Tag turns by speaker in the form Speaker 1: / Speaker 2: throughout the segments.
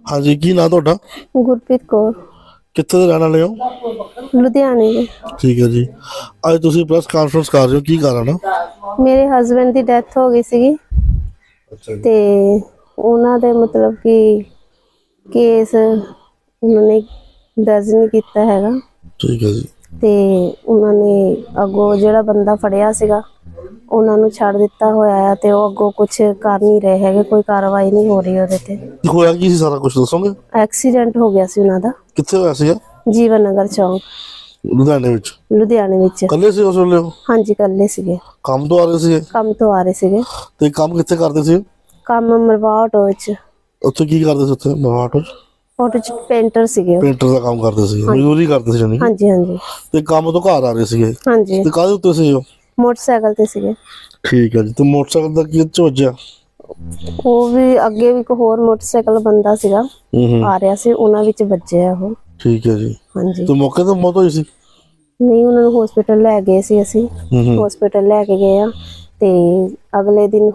Speaker 1: हाँ जी, की नाम ਤੁਹਾਡਾ?
Speaker 2: ਗੁਰਪ੍ਰੀਤ ਕੌਰ,
Speaker 1: ਕਿੱਥੇ ਦੇ ਰਹਿਣ ਵਾਲੇ ਹੋ?
Speaker 2: ਲੁਧਿਆਣੇ ਦੇ।
Speaker 1: ਠੀਕ ਹੈ ਜੀ। ਅੱਜ ਤੁਸੀਂ ਪ੍ਰੈਸ ਕਾਨਫਰੰਸ ਕਰ ਰਹੇ ਹੋ, ਕੀ ਕਾਰਨ ਆ?
Speaker 2: ਮੇਰੇ ਹਸਬੰਡ ਦੀ ਡੈਥ ਹੋ ਗਈ ਸੀਗੀ
Speaker 1: ਅੱਛਾ ਜੀ।
Speaker 2: ਤੇ ਉਹਨਾਂ ਦੇ ਮਤਲਬ ਕਿ ਕੇਸ ਉਹਨਾਂ ਨੇ ਦਰਜ ਨਹੀਂ ਕੀਤਾ ਹੈਗਾ
Speaker 1: ਠੀਕ ਹੈ ਜੀ।
Speaker 2: ਤੇ ਉਹਨਾਂ ਨੇ ਅੱਗੋਂ ਜਿਹੜਾ ਬੰਦਾ ਫੜਿਆ ਸੀਗਾ ਉਹਨਾਂ ਨੂੰ ਛੱਡ ਦਿੱਤਾ ਹੋਇਆ ਹੈ ਤੇ ਉਹ ਅੱਗੋਂ ਕੁਝ ਕਰ ਨਹੀਂ ਰਹੇ ਹੈਗੇ, ਕੋਈ ਕਾਰਵਾਈ ਨਹੀਂ ਹੋ ਰਹੀ ਉਹਦੇ ਤੇ।
Speaker 1: ਹੋਇਆ ਕੀ ਸੀ ਸਾਰਾ ਕੁਝ ਦੱਸੋਗੇ?
Speaker 2: ਐਕਸੀਡੈਂਟ ਹੋ ਗਿਆ ਸੀ ਉਹਨਾਂ ਦਾ
Speaker 1: ਕਿੱਥੇ ਹੋਇਆ ਸੀਗਾ?
Speaker 2: ਜੀਵਨ ਨਗਰ ਚੌਂਕ,
Speaker 1: ਲੁਧਿਆਣੇ ਵਿੱਚ।
Speaker 2: ਲੁਧਿਆਣੇ ਵਿੱਚ।
Speaker 1: ਕੱਲੇ ਸੀ ਉਸ ਵੇਲੇ ਉਹ?
Speaker 2: ਹਾਂਜੀ, ਇਕੱਲੇ ਸੀਗੇ,
Speaker 1: ਕੰਮ ਤੋਂ ਆ ਰਹੇ ਸੀਗੇ?
Speaker 2: ਕੰਮ ਤੋਂ ਆ ਰਹੇ ਸੀਗੇ।
Speaker 1: ਤੇ ਕੰਮ ਕਿੱਥੇ ਕਰਦੇ ਸੀ?
Speaker 2: ਕੰਮ ਮਰਵਾ ਆਟੋ ਵਿੱਚ।
Speaker 1: ਉੱਥੇ ਕੀ ਕਰਦੇ ਸੀ? ਉੱਥੇ ਮਹਾਟੋ
Speaker 2: ਆਟੋ ਚ ਪੇਂਟਰ ਸੀਗੇ ਉਹ।
Speaker 1: ਪੇਂਟਰ ਦਾ ਕੰਮ ਕਰਦੇ ਸੀ, ਮਜ਼ਦੂਰੀ ਕਰਦੇ ਸੀ ਜਾਨੀ?
Speaker 2: ਹਾਂਜੀ ਹਾਂਜੀ।
Speaker 1: ਤੇ ਕੰਮ ਤੋਂ ਘਰ ਆ ਰਹੇ ਸੀਗੇ?
Speaker 2: ਹਾਂਜੀ,
Speaker 1: ਤੇ ਕਾਹਦੇ ਉੱਤੇ ਸੀ ਉਹ?
Speaker 2: ਮੋਟਰਸਾਈਕਲ ਤੇ ਸੀਗੇ।
Speaker 1: ਠੀਕ ਹੈ ਜੀ। ਤੇ ਮੋਟਰਸਾਈਕਲ ਦਾ ਕੀ ਚ ਵੱਜਿਆ?
Speaker 2: ਉਹ ਵੀ ਅੱਗੇ ਵੀ ਇੱਕ ਹੋਰ ਮੋਟਰਸਾਈਕਲ ਬੰਦਾ ਸੀਗਾ ਆ ਰਿਹਾ ਸੀ, ਉਹਨਾਂ ਵਿੱਚ ਵੱਜਿਆ ਉਹ।
Speaker 1: ਠੀਕ ਹੈ ਜੀ।
Speaker 2: ਹਾਂਜੀ।
Speaker 1: ਤੇ ਮੌਕੇ ਤੇ ਮੌਤ ਹੋਈ ਸੀ?
Speaker 2: ਨਹੀਂ, ਉਹਨਾਂ ਨੂੰ ਹਸਪੀਟਲ ਲੈ ਗਏ ਸੀ ਅਸੀਂ, ਹਸਪੀਟਲ ਲੈ ਕੇ ਗਏ ਆ ਤੇ ਅਗਲੇ ਦਿਨ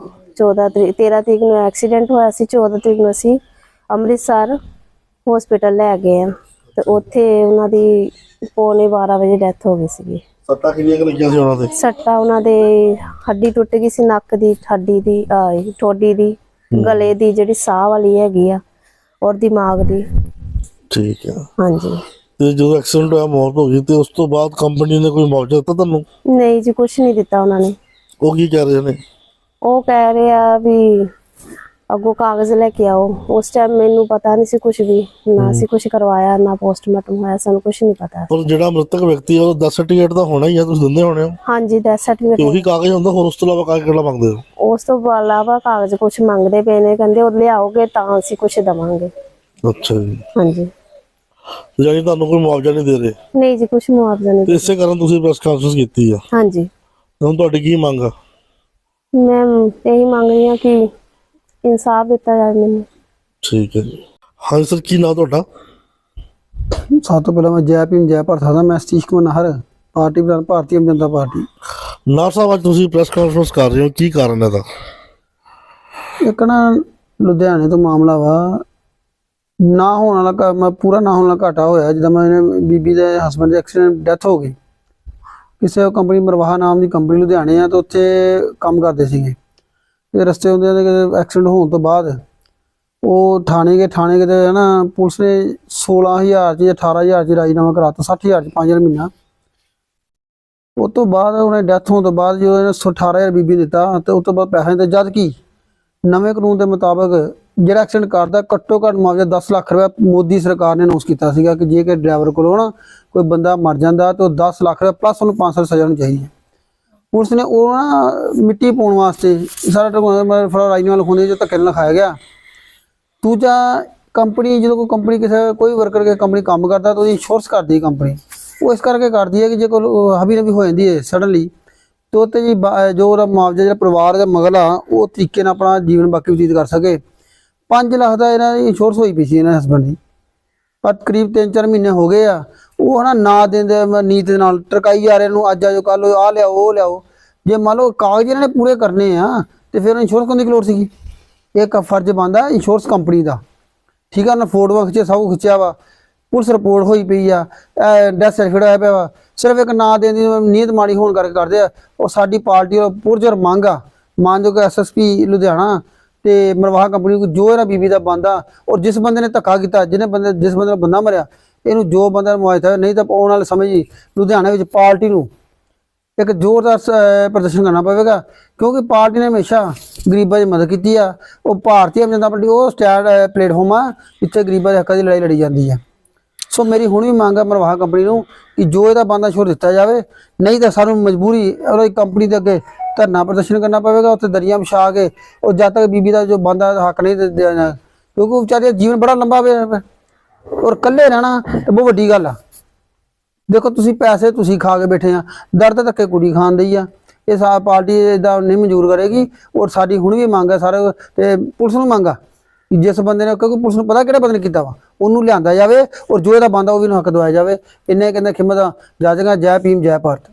Speaker 2: 13 ਤਰੀਕ ਨੂੰ ਐਕਸੀਡੈਂਟ ਹੋਇਆ ਸੀ, 14 ਤਰੀਕ ਨੂੰ ਅਸੀਂ ਅੰਮ੍ਰਿਤਸਰ ਹਸਪੀਟਲ ਲੈ ਗਏ ਆ ਤੇ ਉੱਥੇ ਉਹਨਾਂ ਦੀ ਪੌਣੇ 12 ਵਜੇ ਡੈਥ ਹੋ ਗਈ ਸੀਗੀ।
Speaker 1: ਸੱਟਾਂ ਕਿੰਨੀਆਂ ਕੁ ਲੱਗੀਆਂ ਸੀ ਉਹਨਾਂ ਦੇ?
Speaker 2: ਸੱਟਾਂ ਉਹਨਾਂ ਦੇ ਹੱਡੀ ਟੁੱਟ ਗਈ ਸੀ, ਨੱਕ ਦੀ ਹੱਡੀ ਦੀ, ਠੋਡੀ ਦੀ, ਗਲੇ ਦੀ ਜਿਹੜੀ ਸਾਹ ਵਾਲੀ ਹੈਗੀ ਆ, ਔਰ ਦਿਮਾਗ ਦੀ।
Speaker 1: ਠੀਕ ਹੈ।
Speaker 2: ਹਾਂਜੀ।
Speaker 1: ਤੇ ਜਦੋਂ ਐਕਸੀਡੈਂਟ ਹੋਇਆ, ਮੌਤ ਹੋ ਗਈ, ਤੇ ਉਸ ਤੋਂ ਬਾਅਦ ਕੰਪਨੀ ਨੇ ਕੋਈ ਮੁਆਵਜ਼ਾ ਦਿੱਤਾ ਤੁਹਾਨੂੰ?
Speaker 2: ਨਹੀਂ ਜੀ, ਕੁਛ ਨਹੀਂ ਦਿੱਤਾ ਉਹਨਾਂ ਨੇ।
Speaker 1: ਉਹ ਕੀ ਕਹਿ ਰਹੇ ਨੇ?
Speaker 2: ਉਹ ਕਹਿ ਰਹੇ ਆ ਵੀ ਅੱਗੋਂ ਕਾਗਜ਼ ਲੈ ਕੇ ਆਓ। ਉਸ ਟਾਈਮ ਮੈਨੂੰ ਪਤਾ ਨਹੀਂ ਸੀ ਕੁਝ ਵੀ, ਨਾ ਅਸੀਂ ਕੁਝ ਕਰਵਾਇਆ, ਨਾ ਪੋਸਟਮਾਰਟਮ ਹੋਇਆ, ਸਾਨੂੰ ਕੁਝ ਨਹੀਂ ਪਤਾ।
Speaker 1: ਪਰ ਜਿਹੜਾ ਮ੍ਰਿਤਕ ਵਿਅਕਤੀ ਹੈ ਉਹ ਡੈਥ ਸਰਟੀਫਿਕੇਟ ਤਾਂ ਹੋਣਾ ਹੀ ਆ, ਤੁਸੀਂ ਦਿੰਦੇ ਹੋਣੇ ਹੋ?
Speaker 2: ਹਾਂਜੀ, ਡੈਥ
Speaker 1: ਤੇ
Speaker 2: ਸਰਟੀਫਿਕੇਟ।
Speaker 1: ਉਹੀ ਕਾਗਜ਼ ਹੁੰਦਾ, ਹੋਰ ਉਸ ਤੋਂ ਇਲਾਵਾ ਕਾਗਜ਼ ਕਿਹੜਾ ਮੰਗਦੇ ਹੋ?
Speaker 2: ਉਸ ਤੋਂ ਇਲਾਵਾ ਕਾਗਜ਼ ਕੁਝ ਮੰਗਦੇ ਪਏ ਨੇ, ਕਹਿੰਦੇ ਉਹ ਲਿਆਓਗੇ ਤਾਂ ਅਸੀਂ ਕੁਝ ਦੇਵਾਂਗੇ।
Speaker 1: ਅੱਛਾ ਜੀ।
Speaker 2: ਹਾਂਜੀ।
Speaker 1: ਯਾਨੀ ਤੁਹਾਨੂੰ ਕੋਈ ਮੁਆਵਜ਼ਾ ਨਹੀਂ ਦੇ ਰਹੇ?
Speaker 2: ਨਹੀਂ ਜੀ, ਕੁਝ ਮੁਆਵਜ਼ਾ ਨਹੀਂ।
Speaker 1: ਤੇ ਇਸੇ ਕਾਰਨ ਤੁਸੀਂ ਪ੍ਰੈਸ ਕਾਨਫਰੰਸ ਕੀਤੀ ਆ?
Speaker 2: ਹਾਂਜੀ।
Speaker 1: ਹੁਣ ਤੁਹਾਡੀ ਕੀ ਮੰਗ ਆ?
Speaker 2: ਮੈਂ ਇਹੀ ਮੰਗ ਰਹੀ ਹਾਂ ਕਿ ਇਨਸਾਫ ਦਿੱਤਾ ਜਾਵੇ ਮੈਨੂੰ।
Speaker 1: ਠੀਕ ਹੈ ਜੀ। ਹਾਂਜੀ ਸਰ, ਕੀ ਨਾਮ ਤੁਹਾਡਾ?
Speaker 3: ਸਭ ਤੋਂ ਪਹਿਲਾਂ ਮੈਂ ਜੈ ਭੀਮ ਜੈ ਭਾਰਤ ਦਾ ਮੈਂ ਸਤੀਸ਼ ਕੁਮਾਰ ਨਾਹਰ, ਪਾਰਟੀ ਪ੍ਰਧਾਨ, ਭਾਰਤੀ ਆਮ ਜਨਤਾ ਪਾਰਟੀ।
Speaker 1: ਨਾਰ ਸਾਹਿਬ, ਅੱਜ ਤੁਸੀਂ ਪ੍ਰੈਸ ਕਾਨਫਰੰਸ ਕਰ ਰਹੇ ਹੋ, ਕੀ ਕਾਰਨ ਹੈ ਇਹਦਾ?
Speaker 3: ਇੱਕ ਨਾ ਲੁਧਿਆਣੇ ਤੋਂ ਮਾਮਲਾ ਵਾ, ਨਾ ਹੋਣ ਵਾਲਾ ਮੈਂ ਪੂਰਾ ਨਾ ਹੋਣ ਵਾਲਾ ਘਾਟਾ ਹੋਇਆ। ਜਿੱਦਾਂ ਮੈਂ ਬੀਬੀ ਦੇ ਹਸਬੈਂਡ ਦੇ ਐਕਸੀਡੈਂਟ ਡੈਥ ਹੋ ਗਈ, ਕਿਸੇ ਕੰਪਨੀ ਮਰਵਾਹਾ ਨਾਮ ਦੀ ਕੰਪਨੀ ਲੁਧਿਆਣੇ ਆ, ਤੇ ਉੱਥੇ ਕੰਮ ਕਰਦੇ ਸੀਗੇ। ਤੇ ਰਸਤੇ ਹੁੰਦੇ ਐਕਸੀਡੈਂਟ ਹੋਣ ਤੋਂ ਬਾਅਦ ਉਹ ਥਾਣੇ ਗਏ ਤੇ ਹੈ ਨਾ, ਪੁਲਿਸ ਨੇ 16,000 ਚ 18,000 ਚ ਰਾਜੀਨਾਮਾ ਕਰਾਤਾ, 60,000 ਚ 5,000 ਮਹੀਨਾ। ਉਸ ਤੋਂ ਬਾਅਦ ਉਹਨੇ ਡੈਥ ਹੋਣ ਤੋਂ ਬਾਅਦ ਜਦੋਂ ਇਹਨੇ 18,000 ਬੀਬੀ ਦਿੱਤਾ ਤੇ ਉਸ ਤੋਂ ਬਾਅਦ ਪੈਸੇ ਦਿੱਤੇ, ਜਦ ਕਿ ਨਵੇਂ ਕਾਨੂੰਨ ਦੇ ਮੁਤਾਬਕ ਜਿਹੜਾ ਐਕਸੀਡੈਂਟ ਕਰਦਾ ਘੱਟੋ ਘੱਟ ਮੁਆਵਜ਼ਾ 10 ਲੱਖ ਰੁਪਏ ਮੋਦੀ ਸਰਕਾਰ ਨੇ ਅਨਾਉਂਸ ਕੀਤਾ ਸੀਗਾ ਕਿ ਜੇ ਕਿ ਡਰਾਈਵਰ ਕੋਲੋਂ ਨਾ ਕੋਈ ਬੰਦਾ ਮਰ ਜਾਂਦਾ ਤਾਂ 10 ਲੱਖ ਰੁਪਏ ਪਲੱਸ ਉਹਨੂੰ 5 ਸਾਲ ਸਜ਼ਾ ਹੋਣੀ ਚਾਹੀਦੀ ਹੈ। ਪੁਲਿਸ ਨੇ ਉਹ ਨਾ ਮਿੱਟੀ ਪਾਉਣ ਵਾਸਤੇ ਸਾਰਾ ਰਾਜੀਨਾਮਾ ਲਿਖਾਉਂਦੇ ਜੋ ਧੱਕੇ ਨਾਲ ਲਿਖਾਇਆ ਗਿਆ। ਦੂਜਾ, ਕੰਪਨੀ ਜਦੋਂ ਕੋਈ ਕੰਪਨੀ ਕੋਈ ਵਰਕਰ ਕੇ ਕੰਪਨੀ ਕੰਮ ਕਰਦਾ ਤਾਂ ਉਹਦੀ ਇੰਸ਼ੋਰੈਂਸ ਕਰਦੀ ਹੈ ਕੰਪਨੀ। ਉਹ ਇਸ ਕਰਕੇ ਕਰਦੀ ਹੈ ਕਿ ਜੇ ਕੋਈ ਹਬੀ ਨਬੀ ਹੋ ਜਾਂਦੀ ਹੈ ਸਡਨਲੀ, ਤੇ ਉੱਤੇ ਜੀ ਜੋ ਉਹਦਾ ਮੁਆਵਜ਼ਾ ਜਿਹੜਾ ਪਰਿਵਾਰ ਦਾ ਮਗਲਾ ਉਹ ਤਰੀਕੇ ਨਾਲ ਆਪਣਾ ਜੀਵਨ ਬਾਕੀ ਬਤੀਤ ਕਰ ਸਕੇ। 5 ਲੱਖ ਦਾ ਇਹਨਾਂ ਦੀ ਇੰਸ਼ੋਰੈਂਸ ਹੋਈ ਪਈ ਸੀ ਇਹਨਾਂ ਹਸਬੈਂਡ ਦੀ, ਪਰ ਕਰੀਬ 3-4 ਮਹੀਨੇ ਹੋ ਗਏ ਆ। ਉਹ ਹੈ ਨਾ ਦਿੰਦੇ ਨੀਤ ਦੇ ਨਾਲ ਟਰਕਾਈ ਜਾ ਰਹੇ ਨੂੰ, ਅੱਜ ਆਜੋ ਕੱਲ ਆਹ ਲਿਆਓ ਉਹ ਲਿਆਓ। ਜੇ ਮੰਨ ਲਓ ਕਾਗਜ਼ ਇਹਨਾਂ ਨੇ ਪੂਰੇ ਕਰਨੇ ਆ ਤੇ ਫਿਰ ਇੰਸ਼ੋਰੈਂਸ ਕਰਨ ਦੀ ਲੋੜ ਸੀਗੀ। ਇੱਕ ਫਰਜ਼ ਬਣਦਾ ਇੰਸ਼ੋਰੈਂਸ ਕੰਪਨੀ ਦਾ, ਠੀਕ ਆ। ਉਹਨਾਂ ਫੋਟੋਆਂ ਖਿੱਚਿਆ, ਸਭ ਕੁਛ ਖਿੱਚਿਆ ਵਾ, ਪੁਲਿਸ ਰਿਪੋਰਟ ਹੋਈ ਪਈ ਆ, ਡੈਥ ਸਰਟੀਫਿਕੇਟ ਹੋਇਆ ਪਿਆ ਵਾ, ਸਿਰਫ ਇੱਕ ਨਾਂ ਦੇਣ ਦੀ ਨੀਅਤ ਮਾੜੀ ਹੋਣ ਕਰਕੇ ਕਰਦੇ ਆ। ਉਹ ਸਾਡੀ ਪਾਰਟੀ ਦਾ ਪੁਰਜੋਰ ਮੰਗ ਆ, ਮਾਨਯੋਗ SSP ਲੁਧਿਆਣਾ ਤੇ ਮਰਵਾਹਾ ਕੰਪਨੀ ਨੂੰ ਜੋ ਇਹਦਾ ਬੀਬੀ ਦਾ ਬੰਦਾ, ਔਰ ਜਿਸ ਬੰਦੇ ਨੇ ਧੱਕਾ ਕੀਤਾ, ਜਿਸ ਬੰਦੇ ਦਾ ਬੰਦਾ ਮਰਿਆ, ਇਹਨੂੰ ਜੋ ਬੰਦਾ ਮੁਆਵਜ਼ਾ, ਨਹੀਂ ਤਾਂ ਆਉਣ ਵਾਲੇ ਸਮੇਂ ਜੀ ਲੁਧਿਆਣਾ ਵਿੱਚ ਪਾਰਟੀ ਨੂੰ ਇੱਕ ਜ਼ੋਰਦਾਰ ਪ੍ਰਦਰਸ਼ਨ ਕਰਨਾ ਪਵੇਗਾ, ਕਿਉਂਕਿ ਪਾਰਟੀ ਨੇ ਹਮੇਸ਼ਾ ਗਰੀਬਾਂ ਦੀ ਮਦਦ ਕੀਤੀ ਆ। ਉਹ ਭਾਰਤੀ ਆਮ ਜਨਤਾ ਪਾਰਟੀ ਉਹ ਸਟੈਂਡ ਪਲੇਟਫਾਰਮ ਆ ਜਿੱਥੇ ਗਰੀਬਾਂ ਦੇ ਹੱਕਾਂ ਦੀ ਲੜਾਈ ਲੜੀ ਜਾਂਦੀ ਆ। ਸੋ ਮੇਰੀ ਹੁਣ ਵੀ ਮੰਗ ਆ ਮਰਵਾਹਾ ਕੰਪਨੀ ਨੂੰ ਕਿ ਜੋ ਇਹਦਾ ਬੰਦਾ ਛੋੜ ਦਿੱਤਾ ਜਾਵੇ, ਨਹੀਂ ਤਾਂ ਸਾਨੂੰ ਮਜਬੂਰੀ ਉਹਦੀ ਕੰਪਨੀ ਦੇ ਅੱਗੇ ਧਰਨਾ ਪ੍ਰਦਰਸ਼ਨ ਕਰਨਾ ਪਵੇਗਾ, ਉੱਥੇ ਦਰੀਆਂ ਵਿਛਾ ਕੇ। ਉਹ ਜਦ ਤੱਕ ਬੀਬੀ ਦਾ ਜੋ ਬੰਦਾ ਹੱਕ ਨਹੀਂ ਦੇਣਾ, ਕਿਉਂਕਿ ਵਿਚਾਰੇ ਦਾ ਜੀਵਨ ਬੜਾ ਲੰਬਾ ਪਿਆ ਔਰ ਇਕੱਲੇ ਰਹਿਣਾ ਤਾਂ ਬਹੁਤ ਵੱਡੀ ਗੱਲ ਆ। ਦੇਖੋ ਤੁਸੀਂ ਪੈਸੇ ਤੁਸੀਂ ਖਾ ਕੇ ਬੈਠੇ ਆ, ਦਰਦ ਧੱਕੇ ਕੁੜੀ ਖਾਣ ਦਈ ਆ। ਇਹ ਸਾਡੀ ਪਾਰਟੀ ਇਹਦਾ ਨਹੀਂ ਮਨਜ਼ੂਰ ਕਰੇਗੀ। ਔਰ ਸਾਡੀ ਹੁਣ ਵੀ ਮੰਗ ਹੈ ਸਾਰੇ ਤੇ ਪੁਲਿਸ ਨੂੰ ਮੰਗ ਆ ਕਿ ਜਿਸ ਬੰਦੇ ਨੇ, ਕਿਉਂਕਿ ਪੁਲਿਸ ਨੂੰ ਪਤਾ ਕਿਹੜੇ ਬੰਦੇ ਨੇ ਕੀਤਾ ਵਾ, ਉਹਨੂੰ ਲਿਆਂਦਾ ਜਾਵੇ ਔਰ ਜੋ ਇਹਦਾ ਬੰਦਾ ਉਹ ਵੀ ਨੂੰ ਹੱਕ ਦਵਾਇਆ ਜਾਵੇ। ਇੰਨੇ ਕਹਿੰਦੇ ਖਿਮਤ ਜਾਜਗਾ। ਜੈ ਭੀਮ ਜੈ ਭਾਰਤ।